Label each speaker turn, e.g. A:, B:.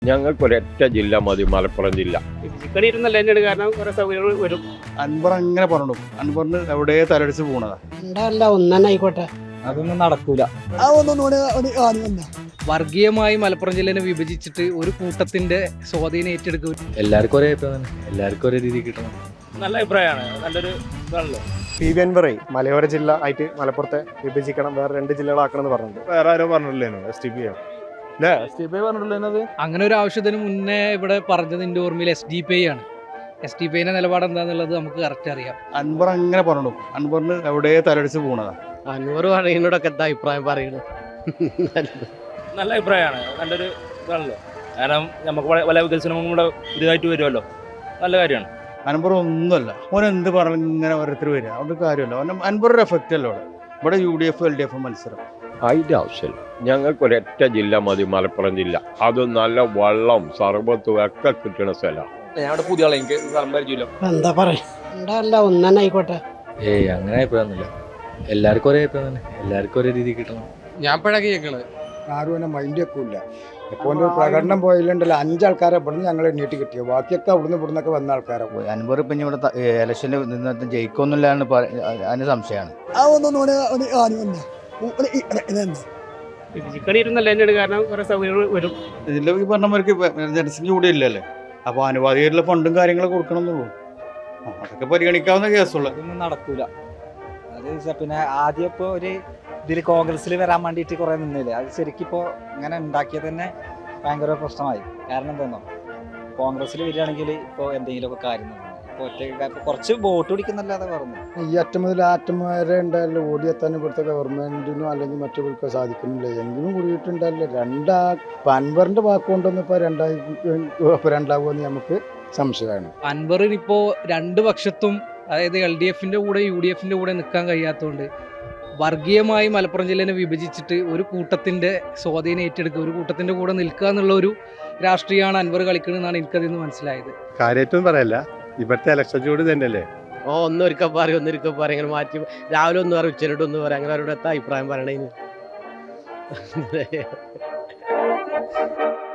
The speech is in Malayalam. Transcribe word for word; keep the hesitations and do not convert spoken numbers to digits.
A: ഞങ്ങൾക്കൊരൊറ്റ ജില്ല മതി, മലപ്പുറം ജില്ല.
B: ചിക്കടിയിരുന്നല്ല തന്നെയാണ്, കാരണം കുറെ സൗകര്യങ്ങൾ വരും.
C: അൻവർ അങ്ങനെ പറഞ്ഞു, അൻവറിന് എവിടെ തലടിച്ച് പോണതാ.
B: ഉണ്ടാവില്ല, ഒന്നെ ആയിക്കോട്ടെ.
D: അതൊന്നും നടക്കൂല.
E: വർഗീയമായി മലപ്പുറം ജില്ലനെ വിഭജിച്ചിട്ട് ഒരു കൂട്ടത്തിന്റെ സ്വാധീനം ഏറ്റെടുക്കും.
D: എല്ലാവർക്കും ഒരേ അഭിപ്രായം, എല്ലാവർക്കും ഒരേ രീതി കിട്ടണം.
B: നല്ല അഭിപ്രായമാണ്, നല്ലൊരു ഇതാണല്ലോ.
F: പി വി അൻവറെ മലയോര ജില്ല ആയിട്ട് മലപ്പുറത്തെ വിഭജിക്കണം, വേറെ രണ്ട് ജില്ലകളാക്കണം എന്ന് പറഞ്ഞിട്ടുണ്ട്. വേറെ ആരോ പറഞ്ഞില്ലേനോ, എസ് ടി പി അല്ലേ, എസ് ടി പി പറഞ്ഞിട്ടുള്ളത്.
E: അങ്ങനെ ഒരു ആവശ്യത്തിന് മുന്നേ ഇവിടെ പറഞ്ഞത് എൻ്റെ ഓർമ്മയിൽ എസ് ഡി പി ഐ ആണ്. എസ് ഡി പി ഐന്റെ നിലപാട് എന്താന്നുള്ളത് നമുക്ക് കറക്റ്റ് അറിയാം.
C: അൻവർ അങ്ങനെ പറഞ്ഞു, അൻവറിന് എവിടെ തലടിച്ച് പോണതാ.
B: അൻവർ പറയുന്നതിനോടൊക്കെ എന്താ അഭിപ്രായം പറയുന്നത്? നല്ല അഭിപ്രായമാണ്, നല്ലൊരു ഇതാണല്ലോ. കാരണം നമുക്ക് പല വികസനവും കൂടെ പുതിയതായിട്ട് വരുമല്ലോ, നല്ല കാര്യമാണ്.
C: അൻവർ ഒന്നുമല്ല, ഓൻ എന്ത് പറഞ്ഞു ഇങ്ങനെ ഓരോരുത്തർ വരിക, അതുകൊണ്ട് കാര്യമല്ല. ഓൻ അൻവറിന്റെ എഫക്റ്റ് അല്ലോ ഇവിടെ. ഇവിടെ U D F L D F മത്സരം
A: അതിൻ്റെ ആവശ്യമില്ല. ഞങ്ങൾക്കൊരൊറ്റ ജില്ല മതി, മലപ്പുറം ജില്ല. അത് നല്ല വെള്ളം സർബത്തും ഒക്കെ കിട്ടുന്ന സ്ഥലമാണ്.
D: ഞാൻ പുതിയ ആളെ, എനിക്ക് സ്ഥലം പരിചയമില്ല.
B: എന്താ പറയാ, ഉണ്ടാവില്ല, ഒന്നെ ആയിക്കോട്ടെ.
D: ഏയ് അങ്ങനെ അഭിപ്രായമൊന്നുമില്ല, എല്ലാവർക്കും ഒരേ അഭിപ്രായം തന്നെ, എല്ലാവർക്കും ഒരേ രീതി കിട്ടണം.
E: ഞാൻ പഴകി കേൾക്കണത്
G: ആരും എന്നെ മൈൻഡ് വെക്കൂല. ഇപ്പോൾ ഒരു പ്രകടനം പോയില്ലണ്ടല്ലോ, അഞ്ചാൾക്കാരെ ഇവിടുന്ന് ഞങ്ങൾ എണ്ണീട്ട് കിട്ടിയോ, ബാക്കിയൊക്കെ അവിടുന്ന് ഇവിടുന്നൊക്കെ വന്ന ആൾക്കാരെ പോയി.
H: അൻവർ ഇപ്പം ഇവിടെ ഇലക്ഷനിൽ നിന്ന് ജയിക്കൊന്നുമില്ലാന്ന് അതിന് സംശയമാണ്.
B: ചിക്കടിയിരുന്നല്ല തന്നെയാണ്, കാരണം കുറെ സൗകര്യങ്ങൾ വരും.
C: ഇതിൽ ഈ പറഞ്ഞവർക്ക് ജനസംഖ്യ കൂടി ഇല്ലല്ലേ, അപ്പോൾ അനുവാദിയായിട്ടുള്ള ഫണ്ടും കാര്യങ്ങളും കൊടുക്കണം എന്നുള്ളൂ. അതൊക്കെ പരിഗണിക്കാവുന്ന കേസുള്ള.
D: അതൊന്നും നടക്കൂല. അത് പിന്നെ ആദ്യം ഇപ്പോൾ ഒരു ഇതിൽ കോൺഗ്രസ്സിൽ വരാൻ വേണ്ടിയിട്ട് കുറേ നിന്നില്ലേ, അത് ശരിക്കും ഇപ്പോൾ ഇങ്ങനെ ഉണ്ടാക്കിയത് തന്നെ ഭയങ്കര പ്രശ്നമായി. കാരണം എന്താണോ, കോൺഗ്രസ്സിൽ വരികയാണെങ്കിൽ ഇപ്പോൾ എന്തെങ്കിലുമൊക്കെ കാര്യം നടന്നു. ഇപ്പോൾ ഒറ്റ കുറച്ച് വോട്ട് പിടിക്കുന്നല്ലാതെ പറഞ്ഞു.
G: ഈ അറ്റം മുതൽ ആ അറ്റം വരെ ഉണ്ടായാലും ഓടിയെത്താൻ ഇവിടുത്തെ ഗവൺമെന്റിനോ അല്ലെങ്കിൽ മറ്റവർക്ക് സാധിക്കുന്നില്ല. എങ്കിലും കൂടിയിട്ടുണ്ടല്ലോ രണ്ടാ അൻവറിന്റെ വാക്കുകൊണ്ടൊന്നും ഇപ്പോൾ രണ്ടായി രണ്ടാകുമെന്ന് നമുക്ക് സംശയമാണ്.
E: അൻവറിന് ഇപ്പോ രണ്ട് പക്ഷത്തും, അതായത് എൽ ഡി എഫിന്റെ കൂടെ യു ഡി എഫിന്റെ കൂടെ നിൽക്കാൻ കഴിയാത്തതുകൊണ്ട് വർഗീയമായി മലപ്പുറം ജില്ലനെ വിഭജിച്ചിട്ട് ഒരു കൂട്ടത്തിന്റെ സ്വാധീനം ഏറ്റെടുക്കുക, ഒരു കൂട്ടത്തിന്റെ കൂടെ നിൽക്കുക എന്നുള്ള ഒരു രാഷ്ട്രീയമാണ് അൻവർ കളിക്കുന്നതെന്നാണ് എനിക്കതിൽ നിന്ന് മനസ്സിലായത്.
F: കാര്യമായിട്ടും പറയല്ല, ഇവിടുത്തെ ഇലക്ഷൻ ചൂട് തന്നെയല്ലേ.
B: ഓ ഒന്നൊരിക്കൽ പറയും, ഒന്നൊരിക്കൽ പറയും, അങ്ങനെ മാറ്റി രാവിലെ ഒന്ന് പറയും, ഉച്ചനോട്ട് ഒന്ന് പറയാം, അങ്ങനെ അവരുടെ എത്താ അഭിപ്രായം പറയണേന്ന്.